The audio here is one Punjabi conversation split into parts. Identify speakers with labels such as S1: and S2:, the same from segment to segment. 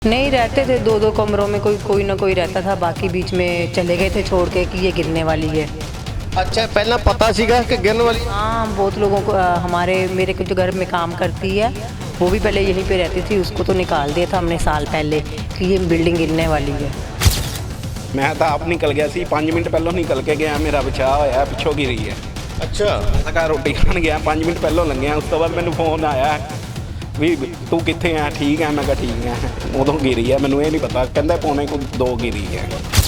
S1: नहीं रहते थे, दो दो कमरों में कोई कोई ना कोई रहता था, बाकी बीच में चले गए थे छोड़ के कि ये गिरने वाली है।
S2: अच्छा, पहला पता सीगा कि गिरने वाली?
S1: हाँ, बहुत लोगों को हमारे मेरे को जो घर में काम करती है वो भी पहले यहीं पे रहती थी, उसको तो निकाल दिया था हमने साल पहले कि ये बिल्डिंग गिरने वाली है।
S3: मैं तो आप निकल गया सी, 5 मिनट पहलों निकल के गया, मेरा बचाव होया पिछों गिरी है।
S2: अच्छा,
S3: मैं घर रोटी खान गया, 5 मिनट पहलों लंघिया, उस तो बाद मैंने फोन आया भी तू कित्थे है? ठीक है, मैं कहा ठीक है। उदों गिरी है, मैनू ये नहीं पता, कहंदा पौने को 2 गिरी है।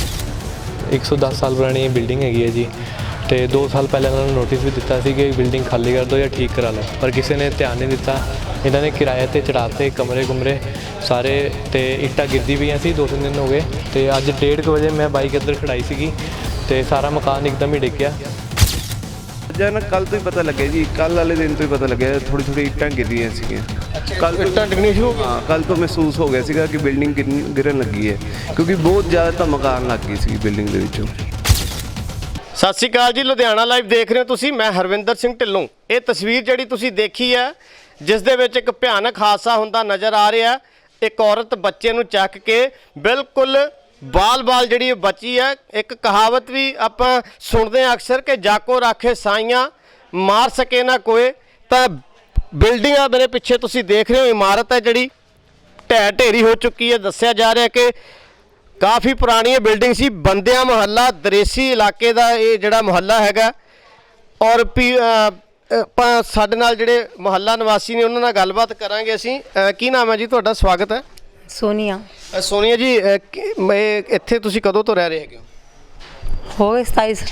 S4: 110 साल पुरानी बिल्डिंग हैगी है जी, तो 2 साल पहले उन्होंने नोटिस भी दिता सी कि बिल्डिंग खाली कर दो या ठीक करा लो, पर किसी ने ध्यान नहीं दिता। इन्होंने किराए ते चढ़ाते कमरे कुमरे सारे, तो इट्टा गिरदी भी सी। 2-3 दिन हो गए, तो अज 1:30 बजे मैं बाइक इधर खड़ाई सी, तो सारा मकान एकदम ही डिग गया।
S5: ना कल तो ही पता लगे जी, कल वाले दिन तो ही पता लगे, थोड़ी थोड़ी इट्टां गिरी सीगियां।
S2: कल इट्टां डिगनी शुरू हो गई?
S5: हाँ, कल तो महसूस हो गया सीगा कि बिल्डिंग गिरन लगी है, क्योंकि बहुत ज़्यादा धमकान लग गई सी बिल्डिंग ਦੇ ਵਿੱਚੋਂ।
S2: ਸਤਿ ਸ਼੍ਰੀ ਅਕਾਲ ਜੀ, ਲੁਧਿਆਣਾ ਲਾਈਵ ਦੇਖ ਰਹੇ ਹੋ ਤੁਸੀਂ। ਮੈਂ ਹਰਵਿੰਦਰ ਸਿੰਘ ਢਿੱਲੋਂ। ਇਹ ਤਸਵੀਰ ਜਿਹੜੀ ਤੁਸੀਂ ਦੇਖੀ ਹੈ, ਜਿਸ ਦੇ ਵਿੱਚ ਇੱਕ ਭਿਆਨਕ ਹਾਦਸਾ ਹੁੰਦਾ ਨਜ਼ਰ ਆ ਰਿਹਾ। ਇੱਕ ਔਰਤ ਬੱਚੇ ਨੂੰ ਚੱਕ ਕੇ ਬਿਲਕੁਲ ਬਾਲ ਜਿਹੜੀ ਬਚੀ ਹੈ। ਇੱਕ ਕਹਾਵਤ ਵੀ ਆਪਾਂ ਸੁਣਦੇ ਹਾਂ ਅਕਸਰ ਕਿ ਜਾਕੋ ਰਾਖੇ ਸਾਈਆਂ ਮਾਰ ਸਕੇ ਨਾ ਕੋਏ। ਤਾਂ ਬਿਲਡਿੰਗ ਆ ਮੇਰੇ ਪਿੱਛੇ ਤੁਸੀਂ ਦੇਖ ਰਹੇ ਹੋ, ਇਮਾਰਤ ਹੈ ਜਿਹੜੀ ਢਹਿ ਢੇਰੀ ਹੋ ਚੁੱਕੀ ਹੈ। ਦੱਸਿਆ ਜਾ ਰਿਹਾ ਕਿ ਕਾਫੀ ਪੁਰਾਣੀ ਬਿਲਡਿੰਗ ਸੀ। ਬੰਦਿਆਂ ਮੁਹੱਲਾ ਦਰੇਸੀ ਇਲਾਕੇ ਦਾ ਇਹ ਜਿਹੜਾ ਮੁਹੱਲਾ ਹੈਗਾ। ਔਰ ਆਪਾਂ ਸਾਡੇ ਨਾਲ ਜਿਹੜੇ ਮੁਹੱਲਾ ਨਿਵਾਸੀ ਨੇ ਉਹਨਾਂ ਨਾਲ ਗੱਲਬਾਤ ਕਰਾਂਗੇ ਅਸੀਂ। ਕੀ ਨਾਮ ਹੈ ਜੀ ਤੁਹਾਡਾ? ਸਵਾਗਤ ਹੈ।
S1: सोनिया।
S2: ਸੋਨੀਆ ਜੀ, ਇੱਥੇ ਤੁਸੀਂ ਕਦੋਂ ਤੋਂ ਰਹਿ ਰਹੇ ਹੈਗੇ ਹੋ?
S1: हो गए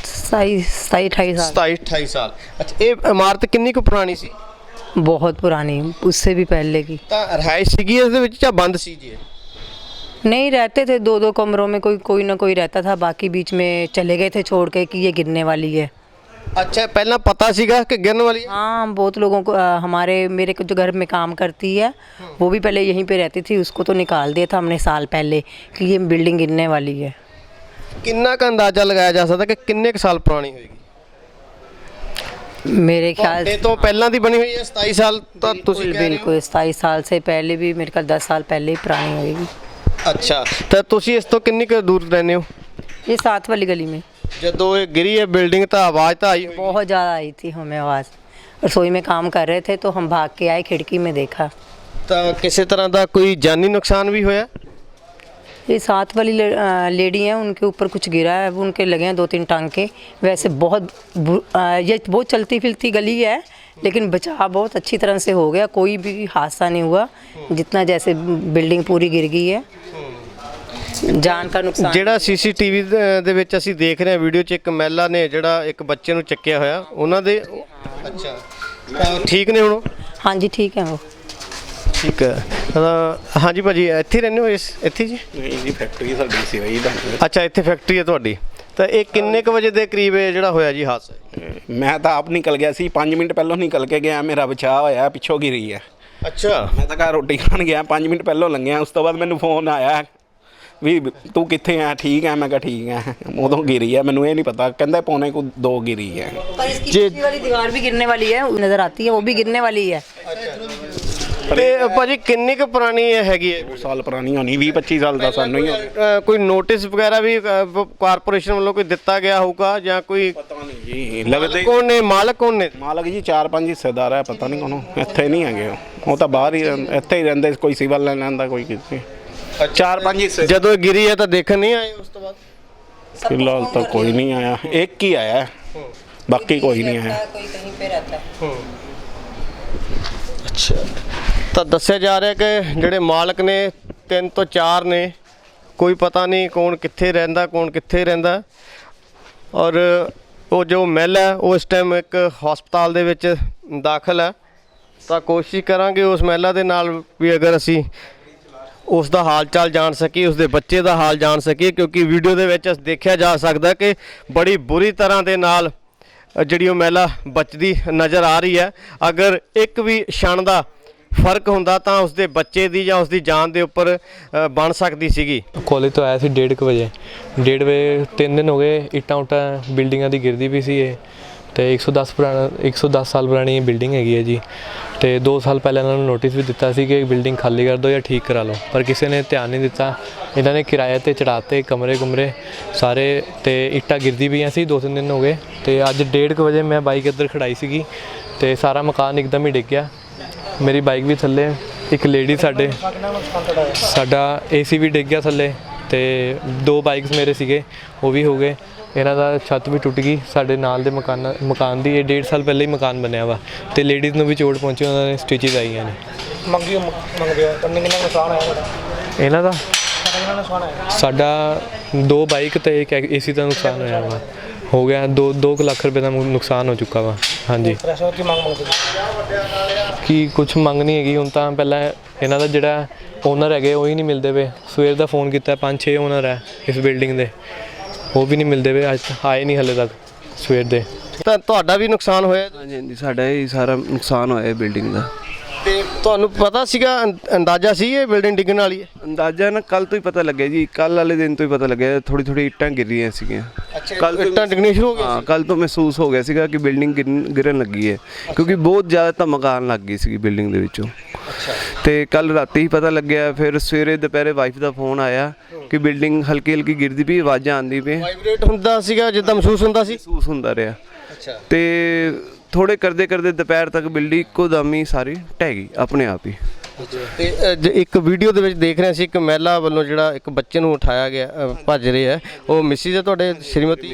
S1: 27-28 साल।
S2: 27-28 ਸਾਲ। ਅੱਛਾ, ਇਹ ਇਮਾਰਤ ਕਿੰਨੀ ਕੁ ਪੁਰਾਣੀ ਸੀ?
S1: बहुत पुरानी, उससे भी पहले की।
S2: ਤਾਂ ਰਿਹਾਇਸ਼ ਸੀਗੀ ਇਸ ਦੇ ਵਿੱਚ ਜਾਂ ਬੰਦ ਸੀ ਜੀ?
S1: नहीं रहते थे, दो दो कमरों में कोई कोई ना कोई रहता था, बाकी बीच में चले गए थे छोड़ के कि ये गिरने वाली है।
S2: अच्छा, पहला पता सीगा कि गिरने वाली है?
S1: हाँ, बहुत लोगों को हमारे मेरे को जो घर में काम करती है वो भी पहले यहीं पे रहती थी, उसको तो निकाल दिया था हमने साल पहले कि ये बिल्डिंग गिरने वाली है।
S2: किन्ना का अंदाजा लगाया जा सकता कि किन्ने साल पुरानी होगी?
S1: मेरे ख्याल से
S2: तो पहला दी बनी हुई है 27 साल तो तुसी कह रहे हो?
S1: बिल्कुल 27 साल से पहले भी, मेरे ख्याल 10 साल पहले ही पुरानी होगी।
S2: अच्छा, तो तुसी इस तो किन्नी क दूर रहने हो?
S1: ये 7 वाली गली में।
S2: जदों ये गिरी है बिल्डिंग तो आवाज़ तो आई होगी?
S1: बहुत ज़्यादा आई थी हमें आवाज़। रसोई में काम कर रहे थे तो हम भाग के आए, खिड़की में देखा।
S2: तो किसी तरह का कोई जानी नुकसान भी होया?
S1: ये 7 वाली लेडी हैं, उनके ऊपर कुछ गिरा है, उनके लगे हैं 2-3 टांके। वैसे ये बहुत चलती फिरती गली है, लेकिन बचाव बहुत अच्छी तरह से हो गया, कोई भी हादसा नहीं हुआ। जितना जैसे बिल्डिंग पूरी गिर गई है, ਜਾਨ ਦਾ ਨੁਕਸਾਨ।
S2: ਜਿਹੜਾ ਸੀਸੀਟੀਵੀ ਦੇ ਵਿੱਚ ਅਸੀਂ ਦੇਖ ਰਹੇ ਹਾਂ ਵੀਡੀਓ 'ਚ, ਇੱਕ ਮਹਿਲਾ ਨੇ ਜਿਹੜਾ ਇੱਕ ਬੱਚੇ ਨੂੰ ਚੱਕਿਆ ਹੋਇਆ ਉਹਨਾਂ ਦੇ। ਅੱਛਾ, ਠੀਕ ਨੇ ਹੁਣ?
S1: ਹਾਂਜੀ ਠੀਕ ਹੈ ਉਹ।
S2: ਠੀਕ ਹੈ। ਹਾਂਜੀ ਭਾਜੀ, ਇੱਥੇ ਹੀ ਰਹਿੰਦੇ ਹੋ? ਇੱਥੇ ਜੀ?
S3: ਨਹੀਂ ਜੀ, ਫੈਕਟਰੀ ਸਾਡੀ ਸੀ ਵਈ ਦਾ।
S2: ਅੱਛਾ, ਇੱਥੇ ਫੈਕਟਰੀ ਹੈ ਤੁਹਾਡੀ। ਤਾਂ ਇਹ ਕਿੰਨੇ ਕੁ ਵਜੇ ਦੇ ਕਰੀਬ ਇਹ ਜਿਹੜਾ ਹੋਇਆ ਜੀ ਹਾਦਸਾ?
S3: ਮੈਂ ਤਾਂ ਆਪ ਨਿਕਲ ਗਿਆ ਸੀ, 5 ਮਿੰਟ ਪਹਿਲੋਂ ਨਿਕਲ ਕੇ ਗਿਆ, ਮੇਰਾ ਬਚਾਅ ਹੋਇਆ ਪਿਛੋਂ गिरी है।
S2: ਅੱਛਾ,
S3: ਮੈਂ ਤਾਂ ਘਰ ਰੋਟੀ ਖਾਣ ਗਿਆ, 5 ਮਿੰਟ ਪਹਿਲੋਂ ਲੰਘਿਆ, ਉਸ ਤੋਂ ਬਾਅਦ ਮੈਨੂੰ ਫੋਨ ਆਇਆ ਵੀ ਤੂੰ ਕਿੱਥੇ ਹੈ? ਠੀਕ ਹੈ, ਮੈਂ ਕਿਹਾ ਠੀਕ ਹੈ। ਉਦੋਂ गिरी है, मैनू ये नहीं पता, कहंदा पौने को 2 गिरी है।
S1: पर इसकी पिछली वाली दीवार भी गिरने वाली है, नजर आती है, वो भी गिरने वाली है।
S2: ਤੇ ਭਾਜੀ ਕਿੰਨੀ ਕੁ ਪੁਰਾਣੀ ਇਹ ਹੈਗੀ ਹੈ?
S3: 2 ਸਾਲ ਪੁਰਾਣੀ ਹੋਣੀ, 20-25 ਸਾਲ ਦਾ ਸਾਨੂੰ ਹੀ ਹੋਣਾ।
S2: ਕੋਈ ਨੋਟਿਸ ਵਗੈਰਾ ਵੀ ਕਾਰਪੋਰੇਸ਼ਨ ਵੱਲੋਂ ਕੋਈ ਦਿੱਤਾ ਗਿਆ ਹੋਊਗਾ ਜਾਂ ਕੋਈ?
S3: ਪਤਾ ਨਹੀਂ ਜੀ, ਲੱਗਦੇ
S2: ਕੌਣ ਨੇ ਮਾਲਕ? ਕੌਣ ਨੇ
S3: ਮਾਲਕ ਜੀ? 4-5 ਹਿੱਸੇਦਾਰ ਹੈ, ਪਤਾ ਨਹੀਂ ਕੋਣ। ਇੱਥੇ ਨਹੀਂ ਹੈਗੇ ਉਹ ਤਾਂ ਬਾਹਰ ਹੀ ਇੱਥੇ ਹੀ ਰਹਿੰਦੇ, ਕੋਈ ਸਿਵਲ ਲੈਣ ਆਉਂਦਾ, ਕੋਈ ਕਿਸੇ। 4-5 ਹਿੱਸੇ।
S2: ਜਦੋਂ ਗਿਰੀ ਹੈ ਤਾਂ ਦੇਖਣ ਨਹੀਂ ਆਏ ਉਸ ਤੋਂ ਬਾਅਦ?
S3: ਫਿਲਹਾਲ ਤਾਂ ਕੋਈ ਨਹੀਂ ਆਇਆ, ਇੱਕ ਹੀ ਆਇਆ, ਬਾਕੀ ਕੋਈ ਨਹੀਂ ਆਇਆ।
S1: कोई कहीं पे रहता है।
S2: ਅੱਛਾ, ਤਾਂ ਦੱਸਿਆ ਜਾ ਰਿਹਾ ਕਿ ਜਿਹੜੇ ਮਾਲਕ ਨੇ 3 ਤੋਂ 4 ਨੇ, ਕੋਈ ਪਤਾ ਨਹੀਂ ਕੌਣ ਕਿੱਥੇ ਰਹਿੰਦਾ, ਕੌਣ ਕਿੱਥੇ ਰਹਿੰਦਾ। ਔਰ ਉਹ ਜੋ ਮਹਿਲਾ ਹੈ ਉਹ ਇਸ ਟਾਈਮ ਇੱਕ ਹਸਪਤਾਲ ਦੇ ਵਿੱਚ ਦਾਖਲ ਹੈ। ਤਾਂ ਕੋਸ਼ਿਸ਼ ਕਰਾਂਗੇ ਉਸ ਮਹਿਲਾ ਦੇ ਨਾਲ ਵੀ, ਅਗਰ ਅਸੀਂ ਉਸ ਦਾ ਹਾਲ ਚਾਲ ਜਾਣ ਸਕੀਏ, ਉਸ ਦੇ ਬੱਚੇ ਦਾ ਹਾਲ ਜਾਣ ਸਕੀਏ, ਕਿਉਂਕਿ ਵੀਡੀਓ ਦੇ ਵਿੱਚ ਦੇਖਿਆ ਜਾ ਸਕਦਾ ਕਿ ਬੜੀ ਬੁਰੀ ਤਰ੍ਹਾਂ ਦੇ ਨਾਲ ਜਿਹੜੀ ਉਹ ਮਹਿਲਾ ਬਚਦੀ ਨਜ਼ਰ ਆ ਰਹੀ ਹੈ। ਅਗਰ ਇੱਕ ਵੀ ਛਣ ਦਾ ਫਰਕ ਹੁੰਦਾ ਤਾਂ ਉਸਦੇ ਬੱਚੇ ਦੀ ਜਾਂ ਉਸਦੀ ਜਾਨ ਦੇ ਉੱਪਰ ਬਣ ਸਕਦੀ ਸੀਗੀ।
S4: ਕਾਲਜ ਤੋਂ ਆਇਆ ਸੀ 1:30 ਵਜੇ। 1:30 ਵਜੇ 3 ਦਿਨ ਹੋ ਗਏ, ਇੱਟਾਂ ਉੱਟਾਂ ਬਿਲਡਿੰਗਾਂ ਦੀ ਗਿਰਦੀ ਵੀ ਸੀ ਇਹ, ਤੇ 110 ਸਾਲ ਪੁਰਾਣੀ ਬਿਲਡਿੰਗ ਹੈਗੀ ਹੈ ਜੀ। ਤੇ 2 ਸਾਲ ਪਹਿਲਾਂ ਇਹਨਾਂ ਨੂੰ ਨੋਟਿਸ ਵੀ ਦਿੱਤਾ ਸੀ ਕਿ ਬਿਲਡਿੰਗ ਖਾਲੀ ਕਰ ਦਿਓ ਜਾਂ ਠੀਕ ਕਰਾ ਲਓ, ਪਰ ਕਿਸੇ ਨੇ ਧਿਆਨ ਨਹੀਂ ਦਿੱਤਾ। ਇਹਨਾਂ ਨੇ ਕਿਰਾਏ ਤੇ ਚੜਾਤੇ ਕਮਰੇ ਸਾਰੇ, ਤੇ ਇੱਟਾਂ ਗਿਰਦੀ ਪਈਆਂ ਸੀ 2-3 ਦਿਨ ਹੋ ਗਏ। ਤੇ ਅੱਜ 1:30 ਵਜੇ ਮੈਂ ਬਾਈਕ ਇੱਧਰ ਖੜਾਈ ਸੀਗੀ ਤੇ ਸਾਰਾ ਮਕਾਨ ਇੱਕਦਮ ਹੀ ਡਿੱਗ ਗਿਆ। ਮੇਰੀ ਬਾਈਕ ਵੀ ਥੱਲੇ, ਇੱਕ ਲੇਡੀ ਸਾਡਾ AC ਵੀ ਡਿੱਗ ਗਿਆ ਥੱਲੇ, ਤੇ 2 ਬਾਈਕਸ ਮੇਰੇ ਸੀਗੇ ਉਹ ਵੀ ਹੋ ਗਏ। ਇਹਨਾਂ ਦਾ ਛੱਤ ਵੀ ਟੁੱਟ ਗਈ। ਸਾਡੇ ਨਾਲ ਦੇ ਮਕਾਨ ਦੀ ਇਹ 1.5 ਸਾਲ ਪਹਿਲਾਂ ਹੀ ਮਕਾਨ ਬਣਿਆ ਵਾ, ਤੇ ਲੇਡੀਜ਼ ਨੂੰ ਵੀ ਚੋਟ ਪਹੁੰਚੀ, ਉਹਨਾਂ ਨੇ ਸਟਿਚਿਸ ਆਈਆਂ ਨੇ।
S6: ਮੰਗਦੇ ਹੋ ਕਿੰਨਾ ਨੁਕਸਾਨ ਆਇਆ ਤੁਹਾਡਾ?
S4: ਇਹਨਾਂ ਦਾ
S6: ਕਿੰਨਾ ਨੁਕਸਾਨ ਆਇਆ?
S4: ਸਾਡਾ 2 ਬਾਈਕ ਤੇ ਇੱਕ AC ਦਾ ਨੁਕਸਾਨ ਹੋਇਆ ਵਾ, ਹੋ ਗਿਆ 2 ਲੱਖ ਰੁਪਏ ਦਾ ਨੁਕਸਾਨ ਹੋ ਚੁੱਕਾ ਵਾ। ਹਾਂਜੀ,
S6: ਪੈਸੇ ਦੀ ਮੰਗਦੇ
S4: ਕੀ ਕੁਛ ਮੰਗ ਨਹੀਂ ਹੈਗੀ ਹੁਣ ਤਾਂ। ਪਹਿਲਾਂ ਇਹਨਾਂ ਦਾ ਜਿਹੜਾ ਓਨਰ ਹੈਗੇ ਉਹ ਹੀ ਨਹੀਂ ਮਿਲਦੇ ਪਏ। ਸਵੇਰ ਦਾ ਫੋਨ ਕੀਤਾ, 5-6 ਓਨਰ ਹੈ ਇਸ ਬਿਲਡਿੰਗ ਦੇ, ਉਹ ਵੀ ਨਹੀਂ ਮਿਲਦੇ ਪਏ, ਅੱਜ ਆਏ ਨਹੀਂ ਹਲੇ ਤੱਕ ਸਵੇਰ ਦੇ।
S2: ਤਾਂ ਤੁਹਾਡਾ ਵੀ ਨੁਕਸਾਨ ਹੋਇਆ
S5: ਹਾਂਜੀ ਹਾਂਜੀ, ਸਾਡਾ ਇਹ ਸਾਰਾ ਨੁਕਸਾਨ ਹੋਇਆ ਬਿਲਡਿੰਗ ਦਾ।
S2: ਤੇ ਤੁਹਾਨੂੰ ਪਤਾ ਸੀਗਾ, ਅੰਦਾਜ਼ਾ ਸੀ ਇਹ ਬਿਲਡਿੰਗ ਡਿੱਗਣ ਵਾਲੀ ਹੈ?
S5: ਅੰਦਾਜ਼ਾ ਨਾ ਕੱਲ ਤੋਂ ਹੀ ਪਤਾ ਲੱਗਿਆ ਜੀ, ਕੱਲ ਵਾਲੇ ਦਿਨ ਤੋਂ ਹੀ ਪਤਾ ਲੱਗਿਆ। ਥੋੜੀ ਇੱਟਾਂ ਗਿਰ ਰਹੀਆਂ ਸੀਗੀਆਂ।
S2: ਕੱਲ ਇੱਟਾਂ ਡਿੱਗਣੀ ਸ਼ੁਰੂ ਹੋ ਗਈ?
S5: ਹਾਂ, ਕੱਲ ਤੋਂ ਮਹਿਸੂਸ ਹੋ ਗਿਆ ਸੀਗਾ ਕਿ ਬਿਲਡਿੰਗ ਗਿਰਨ ਲੱਗੀ ਹੈ, ਕਿਉਂਕਿ ਬਹੁਤ ਜ਼ਿਆਦਾ ਧਮਕ ਆਉਣ ਲੱਗ ਗਈ ਸੀਗੀ ਬਿਲਡਿੰਗ ਦੇ ਵਿੱਚੋਂ। ਤੇ ਕੱਲ ਰਾਤੀ ਹੀ ਪਤਾ ਲੱਗਿਆ। ਫਿਰ ਸਵੇਰੇ ਦੁਪਹਿਰੇ ਵਾਈਫ ਦਾ ਫੋਨ ਆਇਆ ਕਿ ਬਿਲਡਿੰਗ ਹਲਕੀ ਗਿਰਦੀ ਪਈ, ਆਵਾਜ਼ਾਂ ਆਉਂਦੀ ਪਈ।
S2: ਵਾਈਬ੍ਰੇਟ ਹੁੰਦਾ ਸੀਗਾ ਜਿੱਦਾਂ ਮਹਿਸੂਸ ਹੁੰਦਾ ਸੀ?
S5: ਮਹਿਸੂਸ ਹੁੰਦਾ ਰਿਹਾ। ਤੇ ਥੋੜੇ ਕਰਦੇ ਦੁਪਹਿਰ ਤੱਕ ਬਿਲਡਿੰਗ ਇੱਕੋ ਦਮ ਹੀ ਸਾਰੀ ਢਹਿ ਗਈ ਆਪਣੇ ਆਪ ਹੀ।
S2: ਤੇ ਇੱਕ ਵੀਡੀਓ ਦੇ ਵਿੱਚ ਦੇਖ ਰਹੇ ਸੀ ਇੱਕ ਮਹਿਲਾ ਵੱਲੋਂ ਜਿਹੜਾ ਇੱਕ ਬੱਚੇ ਨੂੰ ਉਠਾਇਆ ਗਿਆ, ਭੱਜ ਰਹੇ ਆ, ਉਹ ਮਿਸਿਸ ਹੈ ਤੁਹਾਡੇ ਸ਼੍ਰੀਮਤੀ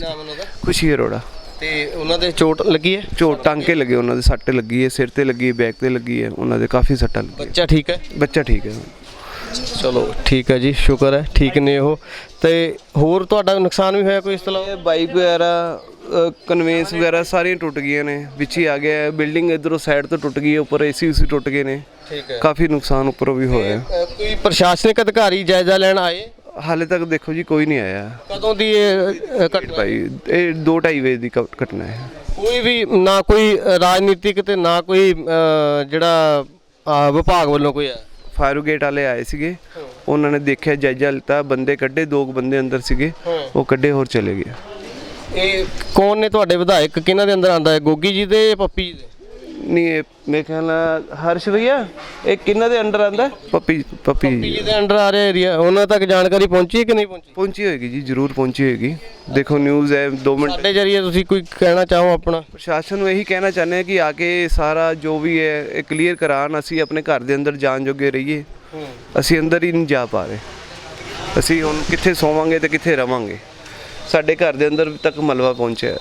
S5: ਖੁਸ਼ੀ ਅਰੋੜਾ।
S2: ਤੇ ਉਹਨਾਂ ਦੇ ਚੋਟ ਲੱਗੀ ਹੈ?
S5: ਚੋਟ ਟਾਂਕੇ ਲੱਗੇ, ਉਹਨਾਂ ਦੇ ਸੱਟ ਲੱਗੀ ਹੈ, ਸਿਰ ਤੇ ਲੱਗੀ ਹੈ, ਬੈਕ ਤੇ ਲੱਗੀ ਹੈ, ਉਹਨਾਂ ਦੇ ਕਾਫੀ ਸੱਟਾਂ ਲੱਗੀਆਂ।
S2: ਬੱਚਾ ਠੀਕ ਹੈ?
S5: ਬੱਚਾ ਠੀਕ ਹੈ।
S2: ਚਲੋ ਠੀਕ ਹੈ ਜੀ, ਸ਼ੁਕਰ ਹੈ ਠੀਕ ਨੇ ਉਹ। ਤੇ ਹੋਰ ਤੁਹਾਡਾ ਨੁਕਸਾਨ ਵੀ ਹੋਇਆ ਕੋਈ ਇਸ ਤਰ੍ਹਾਂ?
S5: ਬਾਈਕ ਵਗੈਰਾ, ਕਨਵੇਂਸ ਵਗੈਰਾ ਸਾਰੀਆਂ ਟੁੱਟ ਗਈਆਂ ਨੇ, ਵਿੱਚ ਹੀ ਆ ਗਿਆ। ਬਿਲਡਿੰਗ ਇਧਰੋਂ ਸਾਈਡ ਤੋਂ ਟੁੱਟ ਗਈ ਹੈ, ਉੱਪਰ AC ਟੁੱਟ ਗਏ ਨੇ।
S2: ਠੀਕ ਹੈ, ਕਾਫੀ
S5: ਕਾਫੀ ਨੁਕਸਾਨ ਉੱਪਰੋਂ ਵੀ ਹੋਇਆ।
S2: ਕੋਈ ਪ੍ਰਸ਼ਾਸਨਿਕ ਅਧਿਕਾਰੀ ਜਾਇਜ਼ਾ ਲੈਣ ਆਏ?
S5: ਹਾਲੇ ਤੱਕ ਦੇਖੋ ਜੀ ਕੋਈ ਨਹੀਂ ਆਇਆ।
S2: ਕਦੋਂ ਦੀ ਇਹ ਘਟਨਾ?
S5: ਭਾਈ ਇਹ 2-2.5 ਵਜੇ ਦੀ ਘਟਨਾ ਹੈ।
S2: ਕੋਈ ਵੀ ਨਾ ਕੋਈ ਰਾਜਨੀਤਿਕ ਤੇ ਨਾ ਕੋਈ ਜਿਹੜਾ ਵਿਭਾਗ ਵੱਲੋਂ ਕੋਈ ਆਇਆ?
S5: ਫਾਇਰ ਬ੍ਰਿਗੇਡ ਵਾਲੇ ਆਏ ਸੀਗੇ, ਉਹਨਾਂ ਨੇ ਦੇਖਿਆ, ਜਾਇਜ਼ਾ ਲਿੱਤਾ, ਬੰਦੇ ਕੱਢੇ, 2 ਬੰਦੇ ਅੰਦਰ ਸੀਗੇ, ਉਹ ਕੱਢੇ ਹੋਰ ਚਲੇ ਗਏ।
S2: ਇਹ ਕੌਣ ਨੇ ਤੁਹਾਡੇ ਵਿਧਾਇਕ, ਕਿਹਨਾਂ ਦੇ ਅੰਦਰ ਆਂਦਾ ਹੈ, ਗੋਗੀ ਜੀ ਦੇ ਜਾਂ ਪੱਪੀ ਜੀ ਦੇ?
S5: ਨਹੀਂ, ਇਹ ਮੇਰੇ ਖਿਆਲ ਨਾਲ ਹਰਸ਼ ਭਈਆ, ਇਹ ਕਿਹਨਾਂ ਦੇ ਅੰਡਰ ਆਂਦਾ? ਪੱਪੀ
S2: ਜੀ ਦੇ ਅੰਡਰ ਆ ਰਿਹਾ ਏਰੀਆ। ਉਹਨਾਂ ਤੱਕ ਜਾਣਕਾਰੀ ਪਹੁੰਚੀ ਕਿ ਨਹੀਂ ਪਹੁੰਚੀ?
S5: ਪਹੁੰਚੀ ਹੋਏਗੀ ਜੀ, ਜ਼ਰੂਰ ਪਹੁੰਚੀ ਹੋਏਗੀ। ਦੇਖੋ ਨਿਊਜ਼ ਹੈ, 2 ਮਿੰਟ।
S2: ਸਾਡੇ ਜਰੀਏ ਤੁਸੀਂ ਕੋਈ ਕਹਿਣਾ ਚਾਹੋ ਆਪਣਾ?
S5: ਪ੍ਰਸ਼ਾਸਨ ਨੂੰ ਇਹੀ ਕਹਿਣਾ ਚਾਹੁੰਦੇ ਹਾਂ ਕਿ ਆ ਕੇ ਸਾਰਾ ਜੋ ਵੀ ਹੈ ਇਹ ਕਲੀਅਰ ਕਰਾਉਣ। ਅਸੀਂ ਆਪਣੇ ਘਰ ਦੇ ਅੰਦਰ ਜਾਣ ਜੋਗੇ ਰਹੀਏ, ਅਸੀਂ ਅੰਦਰ ਹੀ ਨਹੀਂ ਜਾ ਪਾ ਰਹੇ। ਅਸੀਂ ਹੁਣ ਕਿੱਥੇ ਸੋਵਾਂਗੇ ਤੇ ਕਿੱਥੇ ਰਵਾਂਗੇ? ਸਾਡੇ ਘਰ ਦੇ ਅੰਦਰ ਤੱਕ ਮਲਬਾ ਪਹੁੰਚਿਆ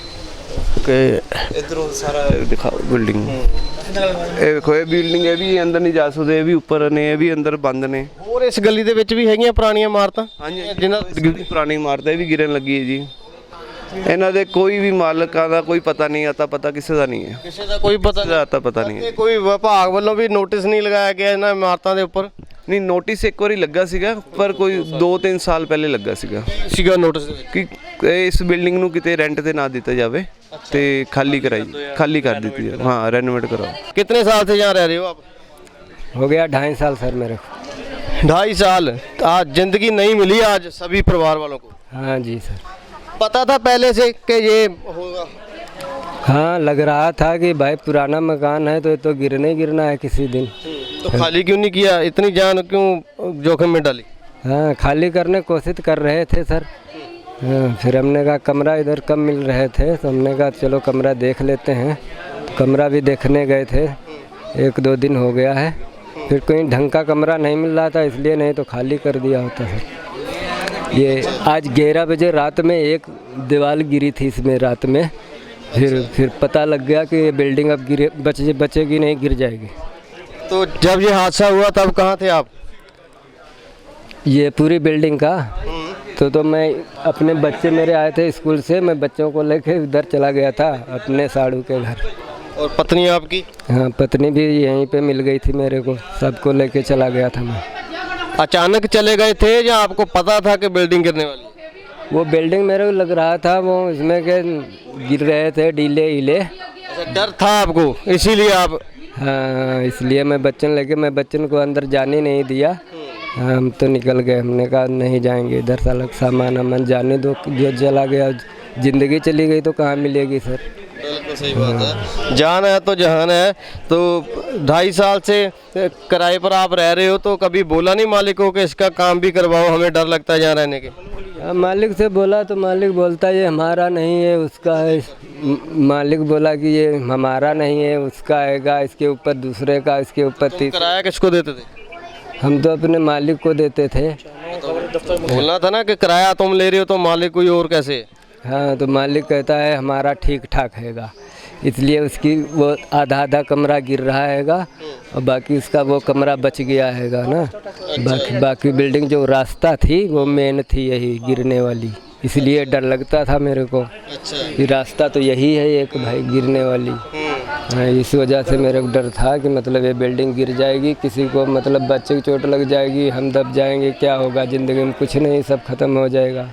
S2: ਕਿ
S5: ਇਧਰੋਂ ਸਾਰਾ ਦਿਖਾਓ ਬਿਲਡਿੰਗ। ਇਹ ਵੇਖੋ, ਇਹ ਬਿਲਡਿੰਗ, ਇਹ ਵੀ ਅੰਦਰ ਨਹੀਂ ਜਾ ਸਕਦੇ, ਇਹ ਵੀ ਉੱਪਰ ਨੇ, ਇਹ ਵੀ ਅੰਦਰ ਬੰਦ ਨੇ।
S2: ਹੋਰ ਇਸ ਗਲੀ ਦੇ ਵਿੱਚ ਵੀ ਹੈਗੀਆਂ ਪੁਰਾਣੀਆਂ ਇਮਾਰਤਾਂ?
S5: ਹਾਂਜੀ,
S2: ਜਿਨ੍ਹਾਂ
S5: ਪੁਰਾਣੀ ਇਮਾਰਤ ਇਹ ਵੀ ਗਿਰਨ ਲੱਗੀ ਹੈ ਜੀ। ਇਹਨਾਂ ਦੇ ਕੋਈ ਵੀ ਮਾਲਕਾਂ ਦਾ ਕੋਈ ਪਤਾ ਨਹੀਂ, ਅਤਾ ਪਤਾ ਕਿਸੇ ਦਾ ਨਹੀਂ ਹੈ।
S2: ਕਿਸੇ ਦਾ ਕੋਈ ਪਤਾ ਨਹੀਂ?
S5: ਅਤਾ ਪਤਾ ਨਹੀਂ ਹੈ।
S2: ਕੋਈ ਵਿਭਾਗ ਵੱਲੋਂ ਵੀ ਨੋਟਿਸ ਨਹੀਂ ਲਗਾਇਆ ਗਿਆ ਇਹਨਾਂ ਇਮਾਰਤਾਂ ਦੇ ਉੱਪਰ?
S5: ਨਹੀਂ, ਨੋਟਿਸ ਇੱਕ ਵਾਰੀ ਲੱਗਾ ਸੀਗਾ, ਪਰ ਕੋਈ 2-3 ਸਾਲ ਪਹਿਲੇ ਲੱਗਾ ਸੀਗਾ
S2: ਨੋਟਿਸ
S5: ਕਿ ਇਸ ਬਿਲਡਿੰਗ ਨੂੰ ਕਿਤੇ ਰੈਂਟ ਤੇ ਨਾ ਦਿੱਤਾ ਜਾਵੇ ਤੇ ਖਾਲੀ ਕਰ ਦਿੱਤੀ ਜਾਵੇ। हाँ, रेनोवेट कराओ।
S2: कितने साल से यहाँ रह रहे हो आप?
S7: हो गया 2.5 साल सर मेरे को।
S2: 2.5 साल। आज जिंदगी नहीं मिली आज सभी परिवार वालों को?
S7: हाँ जी सर।
S2: पता था पहले से कि ये होगा?
S7: हाँ, लग रहा था कि भाई पुराना मकान है तो ये तो गिरना है किसी दिन।
S2: तो खाली क्यों नहीं किया? इतनी जान क्यों जोखिम में डाली?
S7: हाँ, खाली करने की कोशिश कर रहे थे सर। हाँ, फिर हमने कहा कमरा इधर कम मिल रहे थे तो हमने कहा चलो कमरा देख लेते हैं। कमरा भी देखने गए थे, 1-2 दिन हो गया है। फिर कोई ढंग का कमरा नहीं मिल रहा था, इसलिए नहीं तो खाली कर दिया होता सर। ये आज 11 बजे रात में एक दीवार गिरी थी इसमें रात में। फिर पता लग गया कि ये बिल्डिंग अब बचेगी नहीं, गिर जाएगी।
S2: तो जब ये हादसा हुआ तब कहाँ थे आप?
S7: ये पूरी बिल्डिंग का तो मैं अपने बच्चे मेरे आए थे स्कूल से, मैं बच्चों को लेके उधर चला गया था अपने साड़ू के घर।
S2: और पत्नी आपकी?
S7: हाँ, पत्नी भी यहीं पे मिल गई थी मेरे को, सबको लेके चला गया था मैं।
S2: अचानक चले गए थे या आपको पता था कि बिल्डिंग गिरने वाली है?
S7: वो बिल्डिंग मेरे को लग रहा था वो इसमें के गिर रहे थे डीले हिले।
S2: अच्छा, डर था आपको इसीलिए आप?
S7: हाँ, इसलिए मैं बच्चन को अंदर जाने नहीं दिया। हम तो निकल गए, हमने कहा नहीं जाएंगे इधर, साला सामान जाने दो, जो चला गया ज़िंदगी चली गई तो कहाँ मिलेगी सर।
S2: बिल्कुल सही बात है। जान है तो जहान है। तो 2.5 साल से किराए पर आप रह रहे हो, तो कभी बोला नहीं मालिक को कि इसका काम भी करवाओ, हमें डर लगता है यहाँ रहने के?
S7: मालिक से बोला तो मालिक बोलता ये हमारा नहीं है उसका है। मालिक बोला कि ये हमारा नहीं है उसका आएगा, इसके ऊपर दूसरे का, इसके ऊपर
S2: किराया किसको देते थे?
S7: हम तो अपने मालिक को देते थे।
S2: बोलना था ना कि किराया तुम ले रहे हो तो मालिक कोई और कैसे है?
S7: हाँ तो मालिक कहता है हमारा ठीक ठाक हैगा, इसलिए उसकी वो आधा कमरा गिर रहा हैगा और बाकी उसका वो कमरा बच गया हैगा ना। बाकी बिल्डिंग जो रास्ता थी वो मेन थी यही गिरने वाली, इसलिए डर लगता था मेरे को। ये रास्ता तो यही है एक भाई गिरने वाली। हाँ, इस वजह से मेरे को डर था कि मतलब ये बिल्डिंग गिर जाएगी, किसी को मतलब बच्चे की चोट लग जाएगी, हम दब जाएंगे, क्या होगा ज़िंदगी में? कुछ नहीं, सब खत्म हो जाएगा।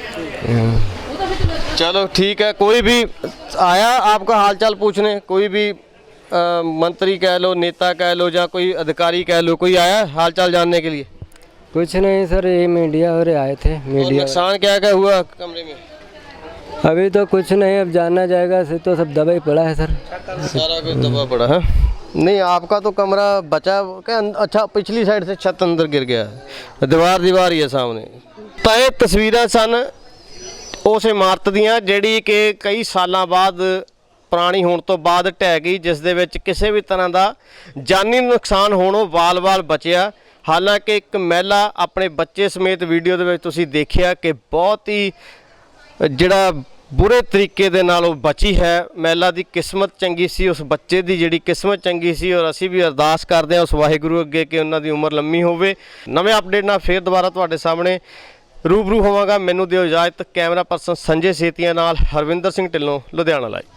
S2: चलो ठीक है। कोई भी आया आपका हालचाल पूछने? कोई भी मंत्री कह लो, नेता कह लो, या कोई अधिकारी कह लो, कोई आया हालचाल जानने के लिए?
S7: कुछ नहीं सर, ये मीडिया वाले आए थे।
S2: और
S7: मीडिया
S2: नुकसान क्या क्या हुआ कमरे में?
S7: अभी तो कुछ नहीं, अब जाना जाएगा, से तो सब दबा ही पड़ा है सर।
S2: सारा कुछ दबा पड़ा है। नहीं, आपका तो कमरा बचा क्या? अच्छा, पिछली साइड से छत अंदर गिर गया है, दीवार ही है सामने। ਤਾਂ ਇਹ ਤਸਵੀਰਾਂ ਸਨ ਉਸ ਇਮਾਰਤ ਦੀਆਂ ਜਿਹੜੀ ਕਿ ਕਈ ਸਾਲਾਂ ਬਾਅਦ ਪੁਰਾਣੀ ਹੋਣ ਤੋਂ ਬਾਅਦ ਢਹਿ ਗਈ, ਜਿਸ ਦੇ ਵਿੱਚ ਕਿਸੇ ਵੀ ਤਰ੍ਹਾਂ ਦਾ ਜਾਨੀ ਨੁਕਸਾਨ ਹੋਣੋਂ ਵਾਲ-ਵਾਲ ਬਚਿਆ। ਹਾਲਾਂਕਿ ਇੱਕ ਮਹਿਲਾ ਆਪਣੇ ਬੱਚੇ ਸਮੇਤ ਵੀਡੀਓ ਦੇ ਵਿੱਚ ਤੁਸੀਂ ਦੇਖਿਆ ਕਿ ਬਹੁਤ ਹੀ ਜਿਹੜਾ ਬੁਰੇ ਤਰੀਕੇ ਦੇ ਨਾਲ ਉਹ ਬਚੀ ਹੈ। ਮਹਿਲਾ ਦੀ ਕਿਸਮਤ ਚੰਗੀ ਸੀ, ਉਸ ਬੱਚੇ ਦੀ ਜਿਹੜੀ ਕਿਸਮਤ ਚੰਗੀ ਸੀ, ਔਰ ਅਸੀਂ ਵੀ ਅਰਦਾਸ ਕਰਦੇ ਹਾਂ ਉਸ ਵਾਹਿਗੁਰੂ ਅੱਗੇ ਕਿ ਉਹਨਾਂ ਦੀ ਉਮਰ ਲੰਮੀ ਹੋਵੇ। ਨਵੇਂ ਅਪਡੇਟ ਨਾਲ ਫੇਰ ਦੁਬਾਰਾ ਤੁਹਾਡੇ ਸਾਹਮਣੇ रूबरू होवांगा। मैनू दिओ इजाजत। कैमरा पर्सन संजय सेतिया नाल हरविंदर सिंह ढिल्लों, लुधियाना लाइव।